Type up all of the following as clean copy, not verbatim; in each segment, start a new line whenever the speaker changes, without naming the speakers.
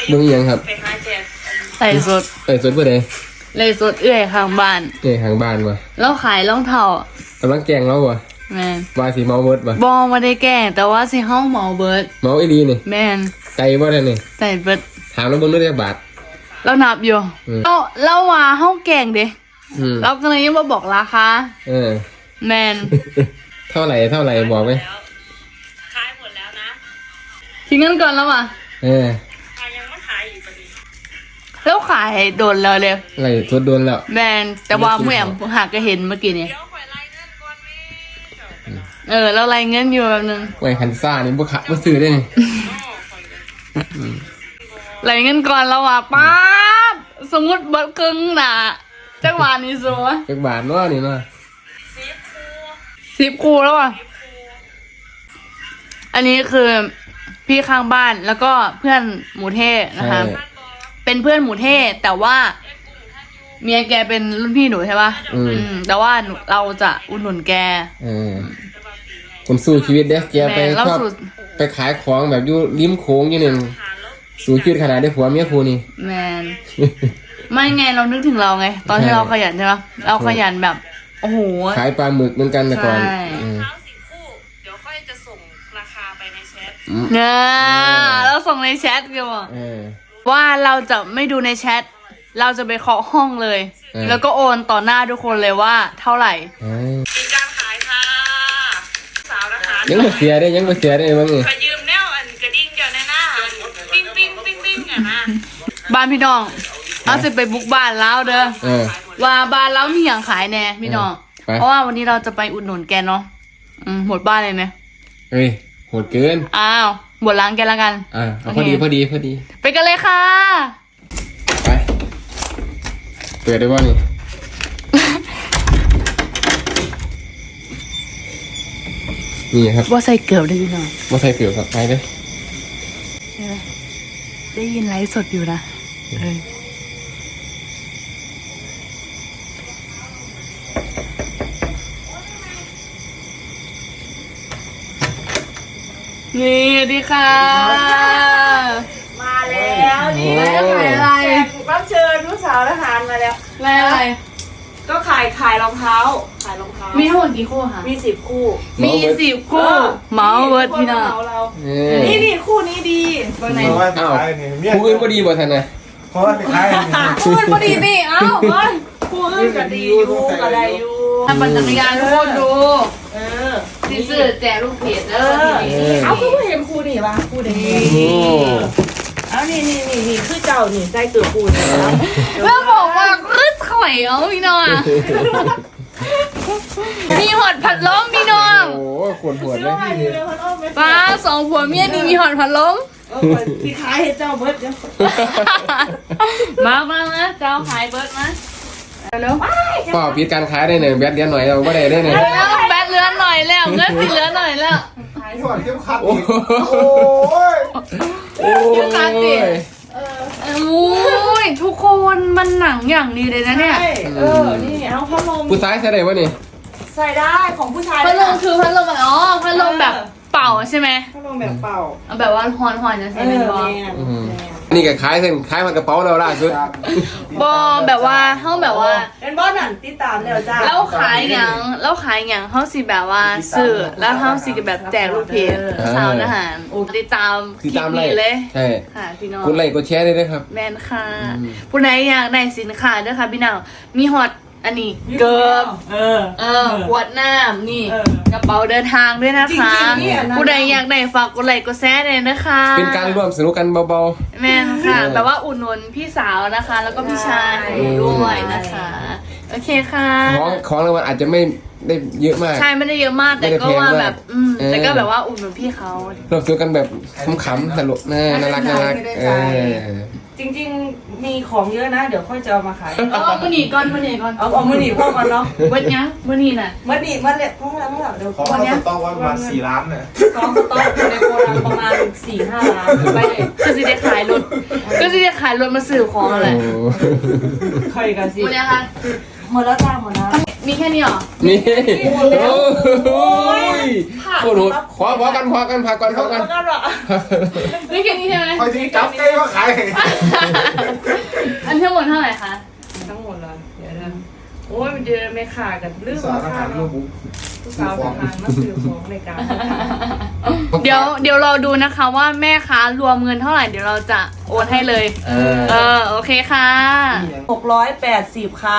มึงยังครับ
ใส่สด
เพื่อใด
เลยสดเอื้อยข้างบ้าน
ข้างบ้านวะ
แล้วขายรองเท้าก
ำลังแกงแล้ววะ
แมน
วาสีเมาเบิร์ดวะ
บอมาได้แก่แต่ว่าสิเฮาเมาเบิร์ด
เมาไอ้ดีนี่
แมน
ใจว่าได้นี่
ใจเบิร์ด
ถามแล้วมึงได้บาท
เรานับอยู่เราว่าเฮาแก่งเด้เราก็เลยยังมาบอกราคาแมน
เท่าไหร่บอกไหม
ขายหมดแล้วนะ
ทิ้งเงินก่อนแล้วว่ะ
ยังไม่ขายอีกพอดี
แล้วขายโดนแล้วเลย
อะไรทดโดนแล้ว
แมนแต่ว่าเมื่อหากก็เห็นเมื่อกี้นี่แล้วรายเงินอยู่แบบนึง
ไว้คันซ่านี่บุขะบุซื้อได้ไง
รายเงินก่อนแล้วว่ะป๊าบสมมติบัตรครึ่งน่ะจักบาทนี่สัว
จักบาทเนาะนี่เนาะ
10 คูแล้วอ่ะอันนี้คือพี่ข้างบ้านแล้วก็เพื่อนหมูเทศนะคะเป็นเพื่อนหมูเทศแต่ว่าเมียแกเป็นรุ่นพี่หนูใช่ป่ะแต่ว่าเราจะอุดหนุนแก
คนสู้ชีวิตเด้แกไปชอบไปขายของแบบอยู่ริมโค้งอย่างนึงสู้ชีวิตขนาดได้ผัวเมียครูนี่
แมนไม่ไงเรานึกถึงเราไงตอนที่เราขยันใช่ป่ะเราขยันแบบโอ้โห
ขายปลาหมึกเหมือนกันแต่ก่อน
เดี๋ยวค่อยจะส่งราคาไปในแชท
เราส่งในแชทกันว่าเราจะไม่ดูในแชทเราจะไปเคาะห้องเลยแล้วก็โอนต่อหน้าทุกคนเลยว่าเท่าไหร่
มีการขายค่ะสาวนะคะ
ยังไม่เสียได้บ้าง
ขอยืมแนวอันกระดิ่งเดี๋ยวหน้าปิ้งอ่ะนะ
บ้านพี่น้องเอาสิไปบุกบ้านแล้วเด้อว่าบ้านแล้วมีอย่างขายแน่พี่น้องเพราะว่าวันนี้เราจะไปอุดหนุนแกเนาะหมดบ้านเลยไหม
เฮ้ยโหดเกิน
หมดล้างแกแล้วกัน
พอดี
ไปกันเลยค่ะ
ไปเปิดได้ป่ะนี่นี่ครับ
ว่าใส่เกลือได้ยินหรอ
ว่าใส่เกลือครับไปเลย
ได้ยินไลฟ์สดอยู่นะนี่ดีค่ะ
มาแล้วนี่ขายอะไรรับเชิญผู้สาวทหารมาแล้ว
อะไร
ก็ขายรองเท้า
มีทั้งหมดกี่คู่คะ
มี10 คู่
เมาเวิร์ดพี่น้อง
นี่คู่นี้ดี
ตรงไหนคู่อื่นก็ดีบ่ทันนะ
เพราะว่าไปขาย
คู่อื่นก็ดีนี่
คู่อื่นก็ดีอยู่ก็ได้อยู่
ทำปั่นจักรยานทุกคนดูที่ซื้อแจกลูกเพจ
เอาคือเห็นคู่นี่วะคู่นี้เอานี่คือเจ้านี่ใส่เกือบคู่นี่
แล้วบอกว่าคือข่อยพี่น้องมีหอดผัดล้มพี่น้อง
โอ้ขวดเลย
ป้า2 ผัวเมียนี่มีหอดผัดล้ม
ที่ขายให้เจ้าเบิร์ดเดี๋ยว
มาเจ้าขายเบิร์ดมาเร็ว
ก็ปิดการขายได้หนึ่งแบตเลี้ยนหน่อยเราไม่ได้หนึ่ง
แบตเลี้ยนหน่อยแล้วเงินสิเลี้ยนหน่อยแล้ว
ขายหอดเทียมขัดโ
อ้ยขาดดิทุกคนมันหนังอย่างดีเลยนะเนี่ย
นี่เอาพัดลม
ผู้ชายใส่ได้ปะนี่
ใส่ได้ของผู้ชาย
พัดลมคือพัดลมแบบพัดลมแบบเป่าใช่ไหม
พัดลมแบบเป่า
แบบว่าหอนจะใช่ไหมบอ
นี่ก็ขายมันกระเป๋าเราล่าสุด
บอแบบว่าเขาแบบว่า
เป็นบอสหนังติดตามแล้วจ้า
แล้วขายอย่างเขาสิแบบว่าซื้อแล้วเขาสิแบบแจกลูกเพจสาวทหารติดตามคลิปนี้เลย
ใช่
ค่ะพี่น้อง
กดไลค์กดแชร์ได้เลยครับ
แมนค่ะผู้ใดอยากได้สินค้าด้วยค่ะพี่น้องมีฮอตอันนี้เกิบขวดน้ำนี่กระเป๋าเดินทางด้วยนะคะผู้ใดอยากได้ฝากกดไลค์กดแชร์เลยนะคะ
เป็นการร่วมสนุกกันเบา
ๆแม่นค่ะแบบว่าอุดหนุนพี่สาวนะคะแล้วก็พี่ชายด้วยนะคะโอเคค่ะ
ของรางวัลอาจจะไม่ได้เยอะมาก
ใช่ไม่ได้เยอะมากแต่ก็ว่าแบบแต่ก็แบบว่าอุดหนุนพี่เขา
ร่วมสนุกกันแบบขำๆตลกน่ารัก
จริงๆมีของเยอะนะเดี๋ยวค่อยจะเอามาขาย
เอามือหนีก่อน
เอามือหนีพ่อก่อนเนาะ
วันนี้มือหนีน่ะ
มือหนีมาเลยพ่อแล้วเดี๋ยว
วันนี้สต็อกประมาณ4 ล้านเนี่ย
กองสต็อกในโกดังประมาณ4-5 ล้านไปเลย
ก็จะได้ขายรถมาสื่อของอะไร
ใครกันสิ
วันนี้ค่ะ
หมดแล้วจ้าหมดแล้ว
มีแค่นี้เหรอ
นี่โอ้ยโคตรโหดขอกันพักก่อน
แล้วก็หรอ
มีแค่นี้ใช่ไหม
คอยที่จับใกล้ก็ขาย
อันทั้งหมดเท่าไหร่คะ
ทั้งหมดเลยเดี๋ยวนะโอ้ยมันเดินไม่ขาดกันเรื่อง
สาร
รา
อา
คา
หารลู
เนาะ
กบุ๊ก
ผู้สาวทหารมาซื้อของในการ
เดี๋ยวเราดูนะคะว่าแม่ค้ารวมเงินเท่าไหร่เดี๋ยวเราจะโอนให้เลย โอเคค่ะ
680ค่ะ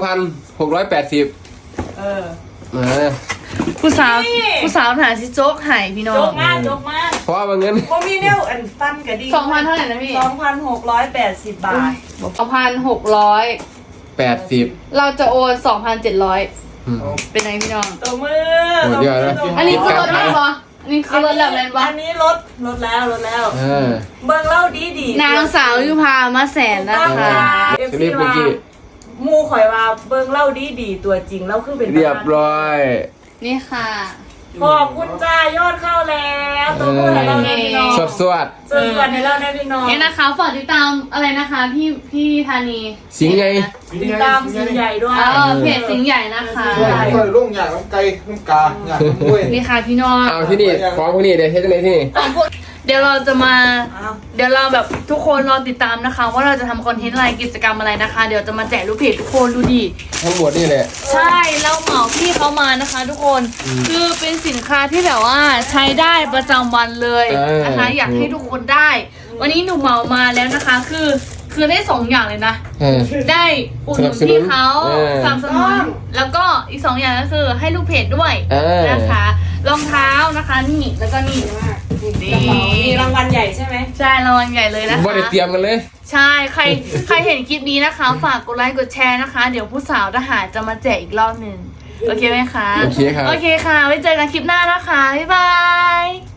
2,680
เออ
ผู้สาว
นี่
ผู้สาวหาซิโจ๊กไห่พี่น้อ
จ
ง
กมากจกมาก
เพราะว่าเงิน
โมมีเนี่ยอันปั้นกระดิ่ง
2,000เท่าไหร่นะพี่
2,680 บาท
2,600
80
เราจะโอน2,700เป็นไงพี่น้อง
ตัวมือ
โอ้ยเดี๋ยวนะ
อันนี้คือลดแล้วปะอันนี้คือลดแล้วแมนปะ
อันนี้ลดแล้ว เบิ่งเล่าดี
นางสาวยุพามาแสนนะคะ
เอฟ
รี
ซี
บเมื่อ
ว่า
กี้
มูข่อยว่าเบิ่งเล่าดีตัวจริงเล่าคือเป็น
เรียบร้อย
นี่ค่ะ
ขอบคุณจ้ายอดเข้าแล้วตัวมือให้เราแน่พี่น้อง
สวด
ส่วนให้เราแน่พี่น้อง
นี่นะคะฝากติดตามอะไรนะคะพี่ธานี
สิงไง
ติดตามสิ่งใหญ่ด้วย
เพจสิงห์ใหญ่นะคะ
ก็เลยลุงอยากน้ำไก่น้ำกาอยากน้ำกล้วย
นี่ค่ะพี่น้อง
เอาที่นี่ของพวกนี้เดี๋ยวเฮ็ดจังไดที่นี่
ของพวกเดี๋ยวเราจะมา
อ้าว
เดี๋ยวเราแบบทุกคนรอติดตามนะคะ ว่าเราจะทำคอนเทนต์อะไรกิจกรรมอะไรนะคะ เดี๋ยวจะมาแจกลูกเพจทุกคนดูดิ
ทั้งหมดนี่แหละ
ใช่เราเหมาพี่เขามานะคะ ทุกคนคือเป็นสินค้าที่แบบว่าใช้ได้ประจำวันเลยนะคะ อยากให้ทุกคนได้ วันนี้หนูเหมามาแล้วนะคะ คือได้2อย่างเลยนะ ได้อุดหนุนพี่เขา
สนับสนุน
สนับสนุนแล้วก็อีก2อย่างก็คือให้ลูกเพจด้วย
เออ
นะคะรองเท้านะคะนี่แล้วก็นี่นี่
มีรางวัลใหญ่ใช่ไหม
ใช่รางวัลใหญ่เลยนะคะ
บ่ได้เตรียมกันเลย
ใช่ใครเห็นคลิปนี้นะคะ ฝากกดไลค์กดแชร์นะคะ เดี๋ยวผู้สาวทหารจะมาแจกอีกรอบหนึ่งโอเคไหมคะ
โอเคครับ
โอเคค่ะ ไว้เจอกันคลิปหน้านะคะ บ๊ายบาย